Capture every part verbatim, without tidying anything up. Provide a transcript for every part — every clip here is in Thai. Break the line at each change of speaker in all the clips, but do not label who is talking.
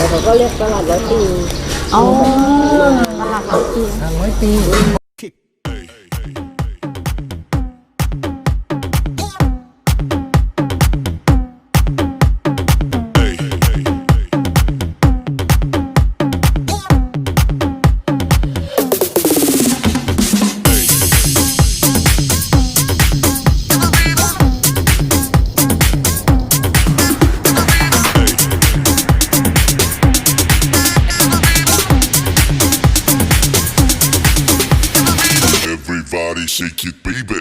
เขาก็เรียกตลาดร้อยปี
อ๋อตลาดร้อยปี
ร้อยปี
Everybody shake it, baby.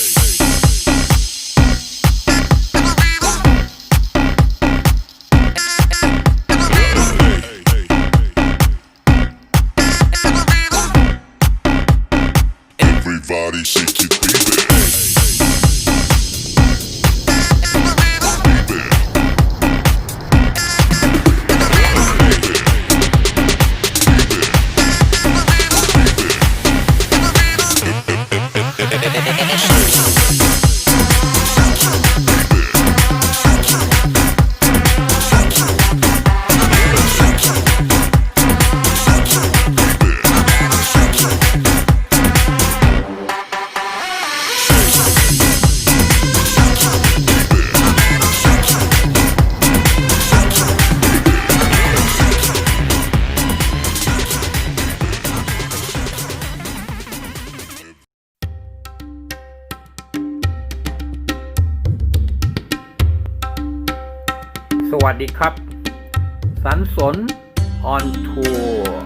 Everybody shake it, baby. Baby.
สวัสดีครับสันสนออนทัวร์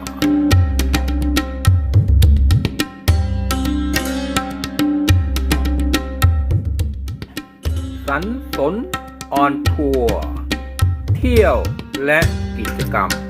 สันสนออนทัวร์เที่ยวและกิจกรรม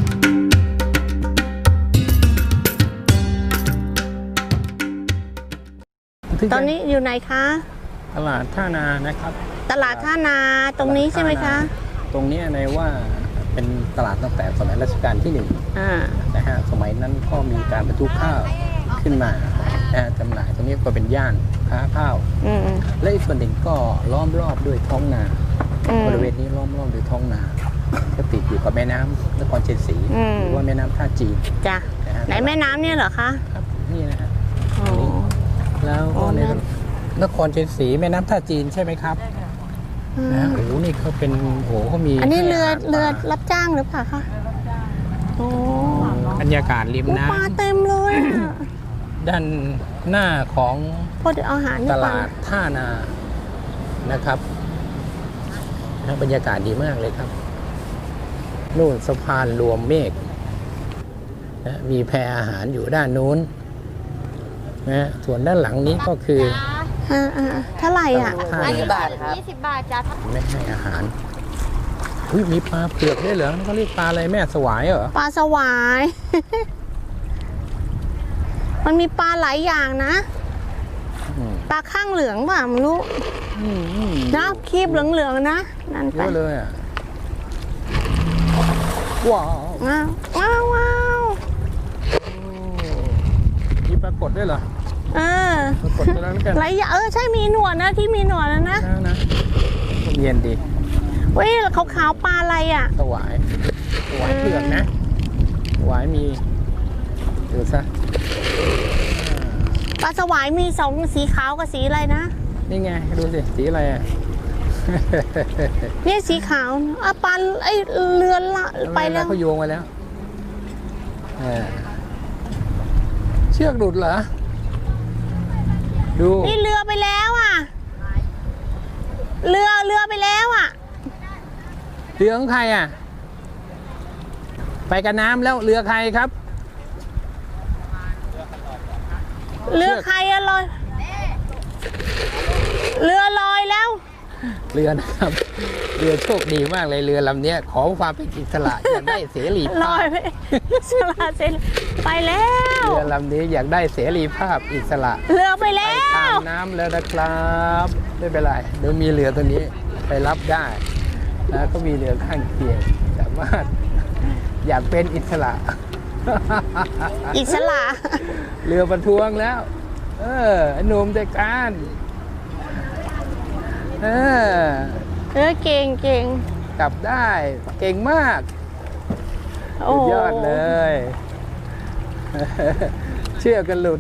ตอนนี้อยู่ไหนคะ
ตลาดท่านานะครับ
ตลาดท่านาตรงนี้ใช่ไหมคะ
ตรงนี้ในว่าเป็นตลาดตั้งแต่สมัยรัชกาลที่หนึ่งนะฮะสมัยนั้นก็มีการบรรทุกข้าวขึ้นมาจำหน่ายตรงนี้ก็เป็นย่านค้าข้าวและอีกส่วนหนึ่งก็ล้อมรอบด้วยท้องนาบริเวณนี้ล้อมรอบด้วยท้องนาก็ติดอยู่กับแม่น้ำนครเชียงศรีหรือว่าแม่น้ำท่าจีน
จ้ะไหนแม่น้ำเนี่ยเหรอคะ
ครับนี่นะฮะแล้วก็ในนครเชียงศรีแม่น้ำท่าจีนใช่ไหมครับนะโอ้โหนี่เขาเป็นโอ้เขามี
อันนี้เรือเรือรับจ้างหรือเปล่าคะโอ้
บรรยากาศริมน้ำ
ปลาเต็มเลย
ด้านหน้าของตลาดท่านานะครับบรรยากาศดีมากเลยครับนู่นสะพานรวมเมฆนะมีแพอาหารอยู่ด้านนู้นนะส่วนด้านหลังนี้ก็คือ
เท่าไหร่อ่ะ
ยี่สิบบาทครับ
ยี่สิบบาทจ้า
ไม่ให้อาหารอุ้ยมีปลาเผือกด้วยเหรอเขาเรียกปลาอะไรแม่สวายเหรอ
ปลาสวายมันมีปลาหลายอย่างนะปลาข้างเหลืองป่ะไม่รู้นะคีบเหลืองๆนะนั่นไป
เยอะเลยอ่ะว้าว
ว้าวว้าว
มีปลากดด้วยเหรอ
เออไรเออใช่มีหนวดนะที่มีหนวดนะนะ
นะเย็นดี
เว้ยขาวๆปลาอะไรอ่ะ
สวายสวายเผือกนะสวายมีดูซะ
ปลาสวายมีสองสีขาวกับสีอะไรนะ
นี่ไงดูสิสีอะไรอ่ะ
นี่สีขาวอ่ะปลาไอเรือละไปแล้ว
เขาโยงไปแล้วเชือกหลุดเหรอดู
นี่เรือไปแล้วอ่ะเรือเรือไปแล้วอ่ะ
เรือของใครอ่ะไปกับน้ำแล้วเรือใครครับ
เรือใครอะลอยเรือลอยแล้ว
เรือนะครับเรือโชคดีมากเลยเรือลำนี้ขอความเป็นอิสระอยากได้เสรีภาพ
ลอยไปอิสระเสรีไปแล้ว
เรือลำนี้อยากได้เสรีภาพอิสระ
เรือไปแล้ว
ไปตามน้ำแล้วนะครับไม่เป็นไรเดี๋ยวมีเรือตัวนี้ไปรับได้แล้วก็มีเรือข้างเคียงสามารถอยากเป็นอิสระ
อิสระ
เรือประท้วงแล้วเออหนุ่มใจการเออ
เออเก่งเก่ง
กลับได้เก่งมาก
โอ้
สุดยอดเลย เชื่อกันหลุด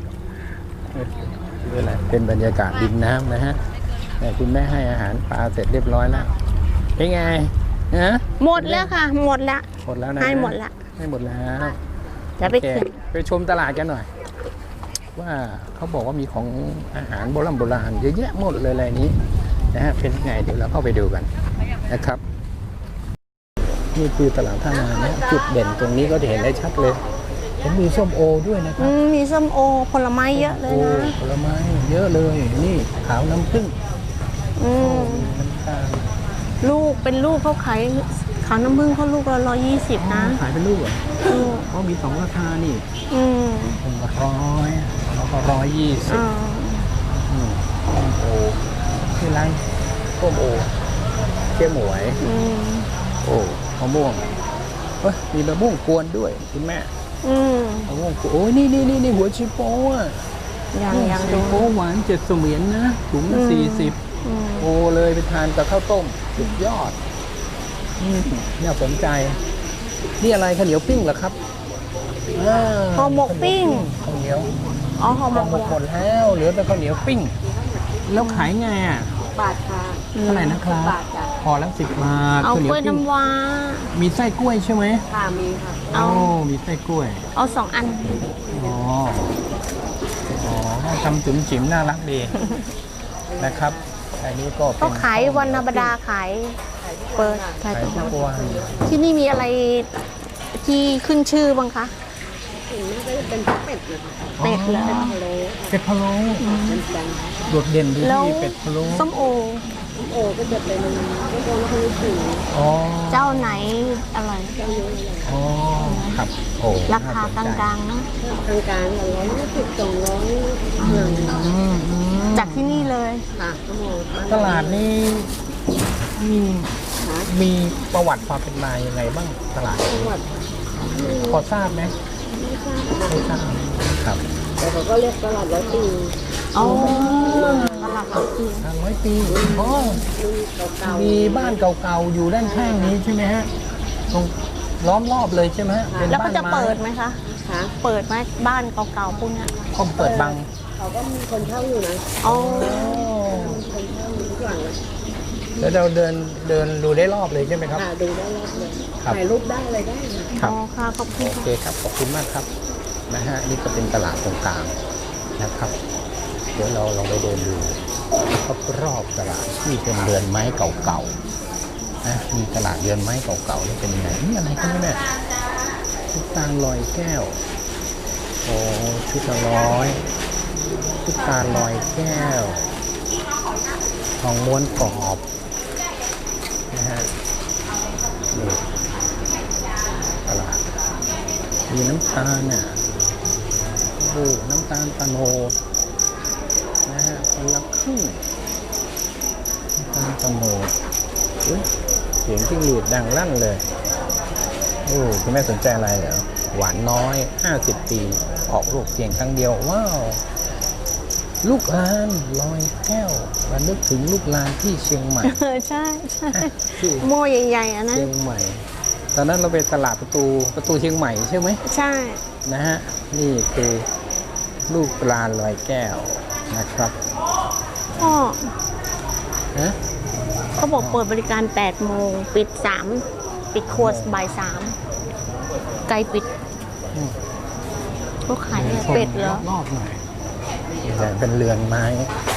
นี่แหละเป็นบรรยากาศริมน้ำนะฮะแต่คุณแม่ให้อาหารปลาเสร็จเรียบร้อยแล้วเป็นไงนะ
หมดแล้วค่ะ หมดแล้ว
หมดแล้วนะ
ให้หมดละ
ให้หมดแล้ว
จะไป
โอเค
เข็น
ไปชมตลาดกันหน่อย ว่าเขาบอกว่ามีของอาหารโบราณโบราณเยอะแยะหมดเลยอะไรนี้นะฮะเป็นไงเดี๋ยวเราเข้าไปดูกันนะครับ นี่คือตลาดท่านานะจุดเด่นตรงนี้ก็จะเห็นได้ชัดเลยเห็นมีส้มโอด้วยนะค
อื
รับ
มมีส้มโอผลไม้เยอะเลย
โอ้
นะ
ผลไม้เยอะเลยนี่ขาวน้ำผึ้ง
อืม
น้ำตาล
ลูกเป็นลูกเขาขายขาวน้ำผึ้งเขาลูกละร้อยยี่สิบนะ
ขายเป็นลูกเหรอ
อืม
เขามีสองราคานี่
อืม
ผมละร้อยแล้วก็ร้อยยี่สิบ
อ่า
อืมส้มโอที่ร้านส้มโอเจ๊หมวย
อืม
โอ้มะม่วงเอ้ยมีมะม่วงกวนด้วยคุณแม่
อืม
มะม่วงกวนโอ้ยนี่นี่นี่นี่หัวชิโป้อะ
ยังยัง
ชิ
ดู
โป้หวานเจ็ดเสมียนนะถุงละ
อืม
สี่สิบ
อืม
โอ้เลยไปทานกับข้าวต้มสุดยอดอืมน่าสนใจ นี่อะไรข้าวเหนียวปิ้งเหรอครับอ่า
ห่อหมกปิ้ง
ข้าวเหนียว
อ๋อห่อหม
ข้าว
ก
หมกหมดแล้วเหลือแต่ข้าวเหนียวปิ้ง แล้วขายไงอ่ะ
บาทค่ะ
เท่าไหร่นะครับ
บาทจ้ะ
พอแล้วสิบบาท
เอา
ข้าวเหนี
ก
ยว
ล้วย
ปิ้ง
น้ำว้า
มีไส้กล้วยใช่ไหม
ค่ะมีค่ะ
เอา
โอ้มีไส้กล้วย
เอาสองอัน
อ๋อ อ๋อทำจุ๋มจิ๋มน่ารักดี นะครับ อันนี้ก็เป็น
ก็ขายวันธรรมดาขายเปิดขาย
ขาย
ทุก
ทุ
วัน
กวัน
ที่นี่มีอะไรที่ขึ้นชื่อบ้างคะ
ถึงแม้จะเป็นเป็ดนะคะ
เป็ดเหรอ
ทะเล
เป็ดพะโล้
เป็นจัง
โดดเด่นดี
แล้ว
ที่เป็ดพะโล้
ส้มโอ
โอ้ก็จะเป็นก็โดนแล้วคนนี้ถึง
อ๋อ
เจ้าไหนอะไร
เจ้าเยอะเลย
อ๋อ ครับ โอ้
ราคา
น่
ก
สนใจ
ลางๆนะ
ทางการละร้อยยี่สิบสองร้อยหนึ่ง
อืมอืม
จากที่นี่เลย
ค่ะก็มอง
ตลาดนี้มี
ค่ะ
มีประวัติความเป็นมายังไงบ้างตลาด
จังหวัด
พอทราบไหม
ไม่ทราบ
ไม่ทราบครับ
แต่เขาก็เรียกตลาดร้อยปี
อ๋อตลาดหลักสี่
ทางร้อยปีอ๋อ
รุ่นเก่าๆ
มีบ้านเก่าๆ อยู่ด้านข้างนี้ใช่ไหมฮะ ตรงล้อมรอบเลยใช่ไหมฮะเป็น
แล้วก็
บ้าน
จะ
ไม้
เปิดไหมคะ
ค่ะ
เปิดไหมบ้านเก่าๆพวกเนี้ย
เขาเปิดบัง
เขาก็มีคนเช่าอยู่นะ
อ๋อ
มีคนเช่าอยู่ทุกหลังเลย
แล้วเราเดินเดินดูได้รอบเลยใช่ไหมครับ
ค่ะดูได้รอบเลย
ครับ
ถ่ายรูปได้อะไรได้นะ
ครับ
อ๋อค่ะขอบคุณ
โอเค
ค่ะ
ครับ ขอบคุณมากครับ นะฮะ นี่ก็เป็นตลาดตรงกลางนะครับ เดี๋ยวเราลองไปเดินดูรอบๆตลาดที่เป็นเรือนไม้เก่าๆ นะ มีตลาดเรือนไม้เก่าๆนี่เป็นยังไงนี่อะไรกันเนี่ยชุดตาลลอยแก้ว โอ้ชุดละร้อยชุดตาลลอยแก้ว ทองม้วนกรอบนะฮะนี่ตลาดมีน้ำตาลน่ะโอ้น้ำตาลตะโนดนะฮะคนละครึ่งน้ำตาลตะโนดอุ๊ยเสียงจิ้งหรีดดังลั่นเลยโอ้คุณแม่สนใจอะไรเหรอหวานน้อยห้าสิบปีออกลูกเพียงครั้งเดียวว้าวลูกลานลอยแก้วระลึกถึงลูกลานที่เชียงใหม่
เออใช่ใช่
ที่
โม่ใหญ่ๆอ่ะนะ
เชียงใหม่ ตอนนั้นเราไปตลาดประตูประตูเชียงใหม่ใช่ไหม
ใช่
นะฮะ นี่คือลูกปลาลอยแก้วนะครับ
พ่อ
นะ
เขาบอกเปิดบริการแปดโมงปิดสามปิดครัวบ่ายสามไกลปิด
อืม
เขาขายอะไรเป็ดเหรอ
รอบๆหน่อยแต่เป็นเรือนไม้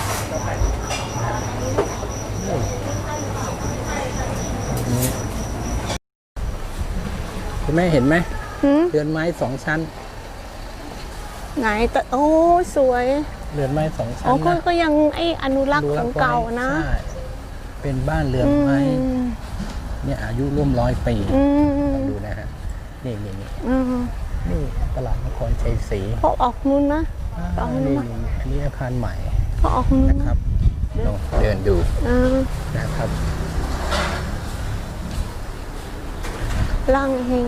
นี่คุณแม่เห็นไหม
หืม
เรือนไม้สองชั้น
ไหนแต่โอ้สวย
เรือนไม้สองชั้
อ๋อน ก็
นะ
ก็ยังไออนุรักษ์ของเก่านะ
ใช่เป็นบ้านเรือน
อื
ไม้
ม
เนี่ยอายุร่วมร้อยปี
อืม
ลองดูนะฮะ นี่นี่นี่
อืม
นี่ตลาดนครชัยศรี
เขาออกนู้นนะ
อ่า
ตรงนู้น
นี่
นะ
นี่อันนี้อาคารใหม่
เขาออกนู้น
นะครับลองเดินดู
อ่า
นะครับ
ล่างเฮง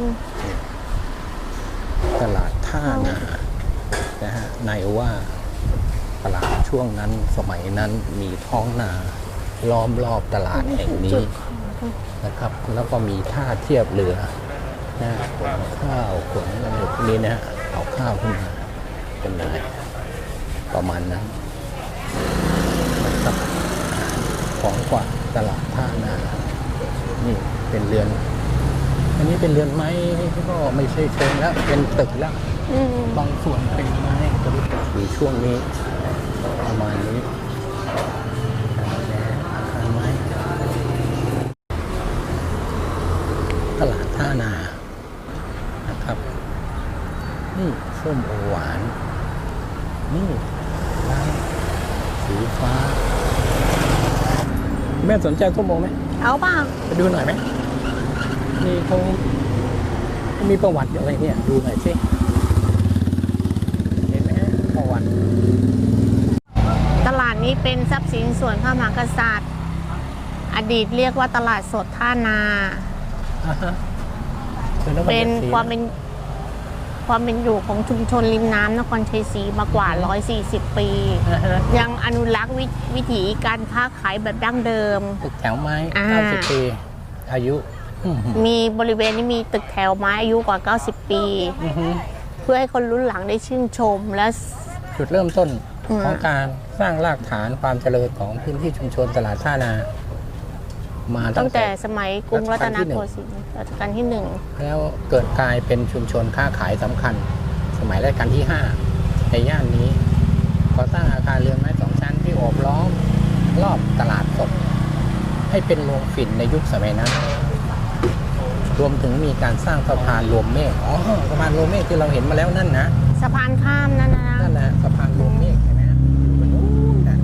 ตลาดท่านานะฮะในว่าตลาดช่วงนั้นสมัยนั้นมีท้องนาล้อมรอบตลาดแห่งนี้นะครับ แล้วก็มีท่าเทียบเรือนะขนข้าวขนอะไรพวกนี้นะฮะเอาข้าวขึ้นมาเป็นอะไรประมาณนั้นนะครับของกว่าตลาดท่านานี่เป็นเรือนอันนี้เป็นเรือนไม้ก็ไม่ใช่เชิงแล้วเป็นตึกแล้ว
อืม
บางส่วนเป็นไม้ก็อยู่ช่วงนี้ประมาณนี้อาคารไม้ตลาดท่านานะครับนี่ส้มโอหวานนี่ร้านสีฟ้าแม่สนใจส้มโอไหม
เอาเปล่า
ไปดูหน่อยไหมนี่เขามีประวัติอะไรเนี่ยดูหน่อยสิเห็นไหมประวัติ
ตลาดนี้เป็นทรัพย์สินส่วนพระมหากษัตริย์ อดีตเรียกว่าตลาดสดท่านา
อ่าฮะ
เป็นความเป็นความเป็นอยู่ของชุมชนริมน้ำนครชัยศรีมากว่า หนึ่งร้อยสี่สิบ ปี
อ่าฮะ
ยังอนุรักษ์วิวิถีการค้าขายแบบดั้งเดิม
ตึกแถวไม้
อ่า
เก้าสิบปีอายุอืม
มีบริเวณนี้มีตึกแถวไม้อายุกว่า เก้าสิบ ปี
อือฮึ
เพื่อให้คนรุ่นหลังได้ชื่นชมและ
จุดเริ่มต้น
อืม
ของการสร้างรากฐานความเจริญของพื้นที่ชุมชนตลาดท่านา มา
ตั้
ตั้
ง
ง
แต่
แต่
สมัยกรุงรัตนโกสินทร์รัชกาลที่หนึ่ง
แล้วเกิดกลายเป็นชุมชนค้าขายสำคัญ สมัยรัชกาลที่ห้าในย่านนี้ก่อสร้างอาคารเรือนไม้สองชั้นที่โอบล้อมรอบตลาดสดให้เป็นโรงฝิ่นในยุคสมัยนั้น รวมถึงมีการสร้างสะพานรวมเมฆอ๋อสะพานรวมเมฆที่เราเห็นมาแล้วนั่นนะ
สะพานข้ามนั่นนะ
นั่นแหละสะพานรวมเมฆเห็นไหมฮะอยู่บนนู้นนะ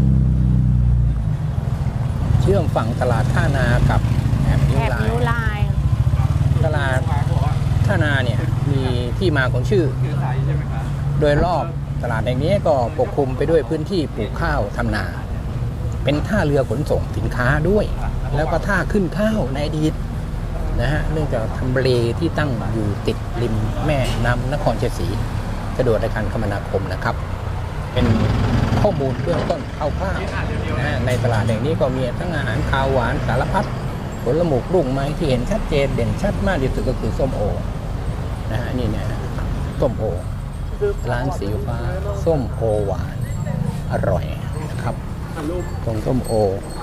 เชื่อมฝั่งตลาดท่านากับแอบนิ้
แถ
ว
บ
ลาย
นิ้วลาย
ตลาดท่านาเนี่ยมีที่มาของชื่อ โดยรอบตลาดแห่งนี้ก็ปกคลุมไปด้วยพื้นที่ปลูกข้าวทำนา เป็นท่าเรือขนส่งสินค้าด้วย แล้วก็ท่าขึ้นข้าวในอดีตนะฮะเนื่องจากทำเลที่ตั้งอยู่ติดริมแม่น้ำนครชัยศรีสะดวกในการคมนาคมนะครับ เป็นข้อมูลเบื้องต้นคร่าวๆนะฮะในตลาดแห่งนี้ก็มีทั้งอาหารคาวหวานสารพัดผลหมกรุ่งไม้ที่เห็นชัดเจนเด่นชัดมากที่สุดก็คือส้มโอนะฮะนี่เนี่ยส้มโอร้านสีฟ้าส้มโอหวานอร่อยนะครับตรงส้มโอ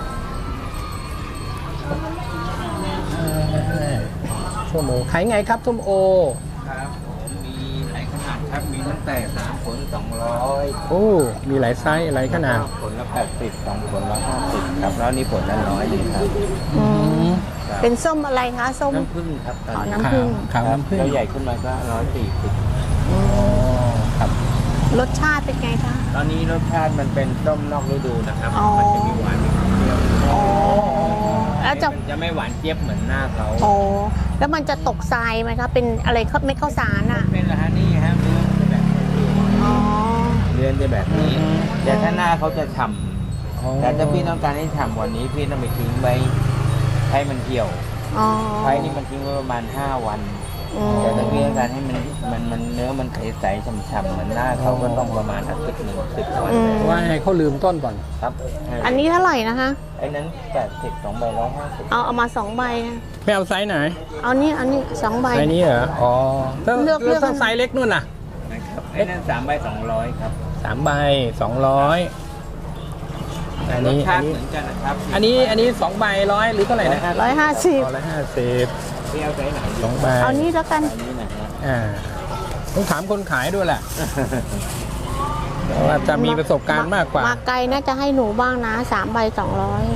ส้มโอขายไงครับส้มโอ
ครับผมมีหลายขนาดครับ มีตั้งแต่สามผลสองร้อย
โอ้มีหลายไซส์หลายขนาด
ผลละแปดสิบสองผลละห้าสิบครับ แล้วนี่ผลละร้อยเลยครับ
อืม
ครับ
เป็นส้มอะไรคะส้ม
น้ำผึ้งครับตอน
อ๋อ
นี้
น้ำผึ้ง
ขาวน้ำผึ้ง
แล้วใหญ่ขึ้นมาก็ร้อยสี่สิบ
อ๋อครับ
รสชาติเป็นไงคะ
ตอนนี้รสชาติมันเป็นส้มนอกฤดูนะครับ
อ๋อ
มันจะมีหวานมีความเปรี้ยว
อ๋อแล้วจะ
มันจะไม่หวานเจี๊ยบเหมือนหน้าเขา
อ๋อแล้วมันจะตกทรายไหมคะเป็นอะไรเขาเม็ดข้าวสารอ่ะ
เป็นละฮะนี่ฮะเนื้อจะแบบนี้
อ๋อ
เนื้อจะแบบนี้ แต่ถ้าหน้าเขาจะฉ่
อ๋อ
ำแต่ถ้าพี่ต้องการให้ฉ่ำกว่านี้พี่ต้องไปทิ้งไว้ให้มันเหี่ยว
อ๋อ
ไฟนี่มันทิ้งไว้ประมาณห้าวัน
อืม
แต่ถ้าพี่ต้องการให้มันมันมันเนื้อมันใสๆฉ่ำๆเหมือนหน้าเขาก็ต้องประมาณอาทิตย์หนึ่งสิบวัน
อืม
ว่าให้เขาลืมต้นก่อน
ครับ
อันนี้เท่าไหร่นะคะ
ไอ้นั้นแปดสิบสองใบร้อยห้าสิบ
เอาเอามาสองใบนะ
ไม่เอาไซส์ไหน
เอานี่เอานี่สองใบ
ไซส์นี้เหรอ อ๋อถ้า
เลือกเลือก
ถ้าไซส์เล็กนู่นน่ะ
นะครับไอ้นั้นสามใบสองร้อยครับ
สามใบสองร้อยอัน
รส
นี้
ชา
อัน
ติ
นี้
เหมือนกันนะครับ
อันนี้อันนี้สองใบร้อยหรือเท่าไหร่นะ
ร้อยห้าสิบ
ร้อยห้าสิบ
พี่เอาใจไหน
สองใบ
เอานี่แล้วกัน
อันนี้นะฮะ
อ่าต้องถามคนขายด้วยแหละเพราะว่าจะมีประสบการณ์มากกว่า
มาไกลน่าจะให้หนูบ้างนะสามใบสองร้อย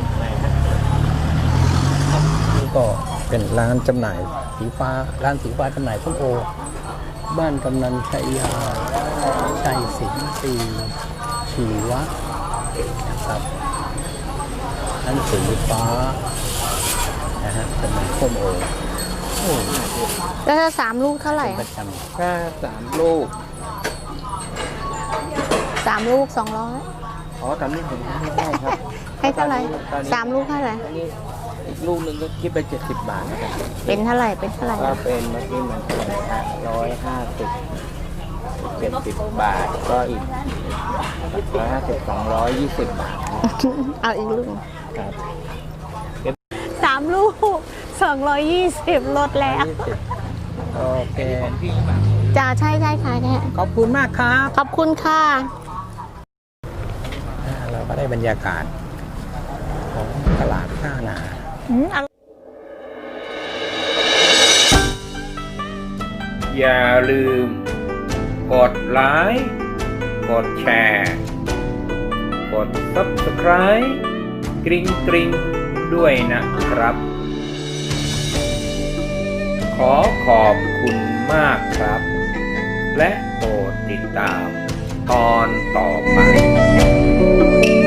นี่ก็เป็นร้านจำหน่ายสีฟ้า ร้านสีฟ้าจำหน่ายส้มโอ บ้านกำนันชัยยาชัยสินทรีชีวะนะครับร้านสีฟ้านะฮะจำหน่ายส้มโอโอ้
แล้วถ้าสามลูกเท่าไหร่
ประ
อะ
จำ
แค่สามลูก
สามลูกสองร้อย
อ๋อตอนนี้ผมให้ได้ครับ
ให้เท่าไหร่
ตอนนี้
สามลูกเท่าไหร่
อันนี้อีกลูกหนึ่งก็คิดไปเจ็ดสิบบาทนะครับ
เป็นเท่าไหร่เป็นเท่าไหร่
ก็เป็นเมื่อกี้มันเป็นร้อยห้าสิบเจ็ดสิบบาทก็อีกร้อยห้าสิบสองร้อยยี่สิบบาท
เอาอีกลูก
ครับ
สามลูกสองร้อยยี่สิบลดแล้ว
ยี่สิบ
โอเค
ของพี่หรือเปล่า
จ้าใช่ใช่ค่ะเนี่ย
ขอบคุณมากครับ
ขอบคุณค่ะ
อ่าเราก็ได้บรรยากาศของตลาดท่านา
อืมอร่อย
อย่าลืม กดไลค์ กดแชร์ กด ซับสไครบ์ กริ๊งกริ๊งด้วยนะครับ ขอขอบคุณมากครับ และโปรดติดตามตอนต่อไป